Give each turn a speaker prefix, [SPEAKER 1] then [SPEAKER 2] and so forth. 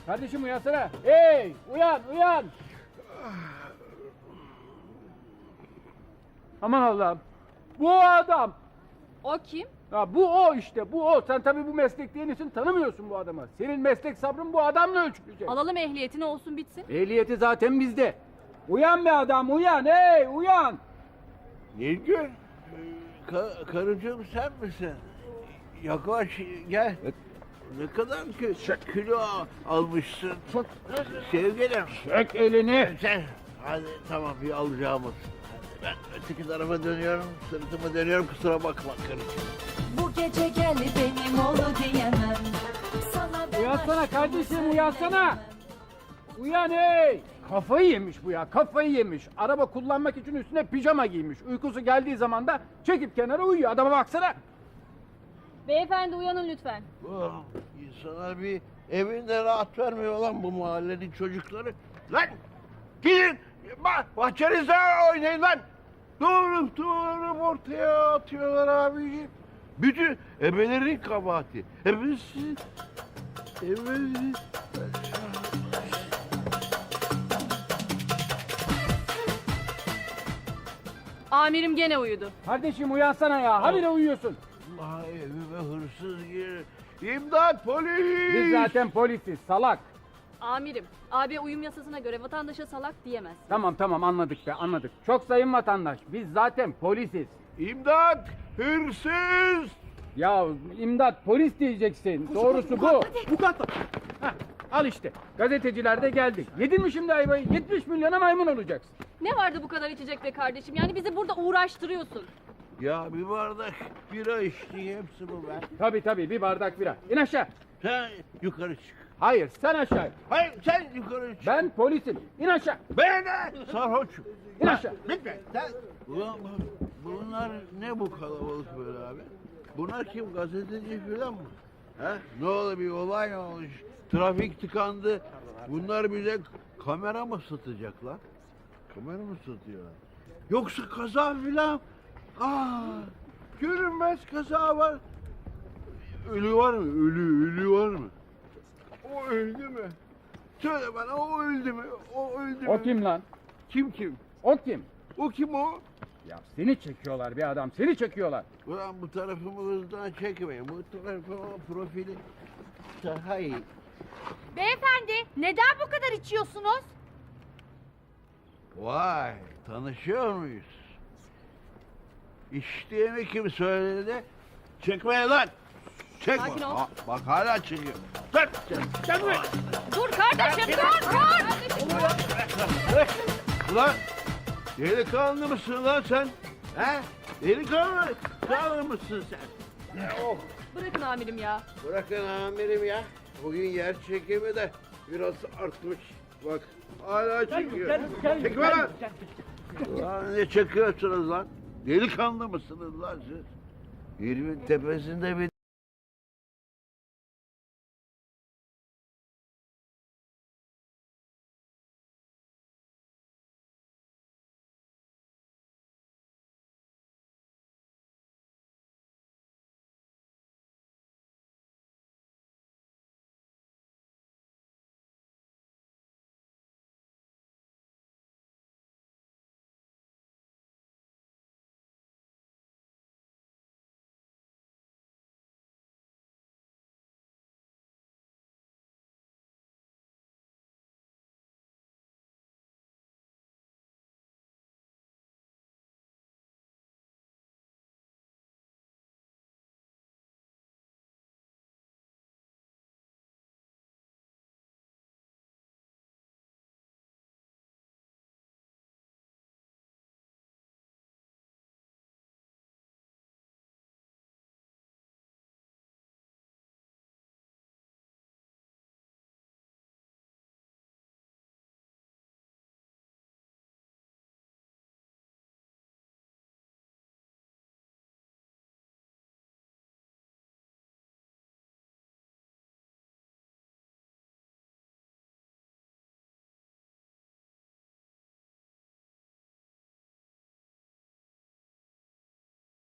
[SPEAKER 1] Kardeşim uyansana. Hey uyan uyan. Aman Allah'ım. Bu adam.
[SPEAKER 2] O kim?
[SPEAKER 1] Ya bu o işte bu o. Sen tabii bu meslekte yenisin tanımıyorsun bu adamı. Senin meslek sabrın bu adamla ölçülecek.
[SPEAKER 2] Alalım ehliyetini olsun bitsin.
[SPEAKER 1] Ehliyeti zaten bizde. Uyan be adam uyan hey uyan.
[SPEAKER 3] Nilgün, karıcığım sen misin? Yaklaş gel. Ne kadar kilo almışsın. Sevgilim.
[SPEAKER 1] Çek elini.
[SPEAKER 3] Sen, hadi tamam bir alacağımız. Ben öteki tarafa dönüyorum, sırtımı dönüyorum kusura bakma karıcığım.
[SPEAKER 4] Bu gece gel benim ol diyemem. Sana ben
[SPEAKER 1] Uyansana
[SPEAKER 4] aşkımı
[SPEAKER 1] kardeşim uyansana.
[SPEAKER 4] söyleyemem.
[SPEAKER 1] Uyan hey. Kafayı yemiş bu ya kafayı yemiş. Araba kullanmak için üstüne pijama giymiş. Uykusu geldiği zaman da çekip kenara uyuyor. Adama baksana.
[SPEAKER 2] Beyefendi uyanın lütfen.
[SPEAKER 3] İnsana bir evinde rahat vermiyor lan bu mahallenin çocukları. Lan gidin bahçenizde oynayın lan. Doğru ortaya atıyorlar abiciğim. Bütün ebelerin kabahati. Ebesi.
[SPEAKER 2] Amirim gene uyudu.
[SPEAKER 1] Kardeşim uyansana ya. Habire uyuyorsun.
[SPEAKER 3] Allah evime hırsız gir. İmdat polis.
[SPEAKER 1] Biz zaten polisiz salak.
[SPEAKER 2] Amirim, AB uyum yasasına göre vatandaşa salak diyemez.
[SPEAKER 1] Tamam anladık be anladık. Çok sayın vatandaş biz zaten polisiz.
[SPEAKER 3] İmdat hırsız.
[SPEAKER 1] Ya imdat polis diyeceksin. Doğrusu bu. Bu kadar. Hah, al işte. Gazetecilerde geldik. Yedin mi şimdi ayvayı? 70 milyona maymun olacaksın.
[SPEAKER 2] Ne vardı bu kadar içecek be kardeşim? Yani bizi burada uğraştırıyorsun.
[SPEAKER 3] Ya bir bardak bira içti hepsi bu be.
[SPEAKER 1] Tabii bir bardak bira. İn aşağı.
[SPEAKER 3] Sen yukarı çık.
[SPEAKER 1] Hayır sen aşağı.
[SPEAKER 3] Hayır sen yukarı çık.
[SPEAKER 1] Ben polisim. İn aşağı.
[SPEAKER 3] Ben de sarhoçum.
[SPEAKER 1] İn aşağı.
[SPEAKER 3] Bitme. Sen... Ulan bunlar ne bu kalabalık böyle abi? Bunlar kim? Gazeteci falan mı? He? Ne oldu bir olay mı olmuş? Trafik tıkandı. Bunlar bize kamera mı satacaklar? Kamera mı satıyorlar? Yoksa kaza filan? Görünmez kaza var. Ölü var mı? Ölü var mı? O öldü mü? Söyle bana o öldü mü? O öldü mü?
[SPEAKER 1] O kim lan?
[SPEAKER 3] Kim?
[SPEAKER 1] O kim?
[SPEAKER 3] O kim o?
[SPEAKER 1] Ya seni çekiyorlar bir adam. Seni çekiyorlar.
[SPEAKER 3] Ulan bu tarafımı hızdan çekmeyin. Bu tarafımı profili daha iyi.
[SPEAKER 2] Beyefendi, neden bu kadar içiyorsunuz?
[SPEAKER 3] Vay, tanışıyor muyuz? İçtiğimi kim söyledi? Çekmeyin lan! Çekme!
[SPEAKER 2] Sakin ol.
[SPEAKER 3] Bak hala çekiyor. Dur! Gel buraya!
[SPEAKER 2] Dur kardeşim, dur!
[SPEAKER 3] Ulan! Delikanlı mısın lan sen? He? Delikanlı mısın sen? Oh!
[SPEAKER 2] Bırakın amirim ya.
[SPEAKER 3] Bırakın amirim ya. Bugün yer çekimi de biraz artmış. Bak hala çekiyor. Çekme lan! Lan ne çekiyorsunuz lan? Delikanlı mısınız lan siz? Herimin tepesinde bir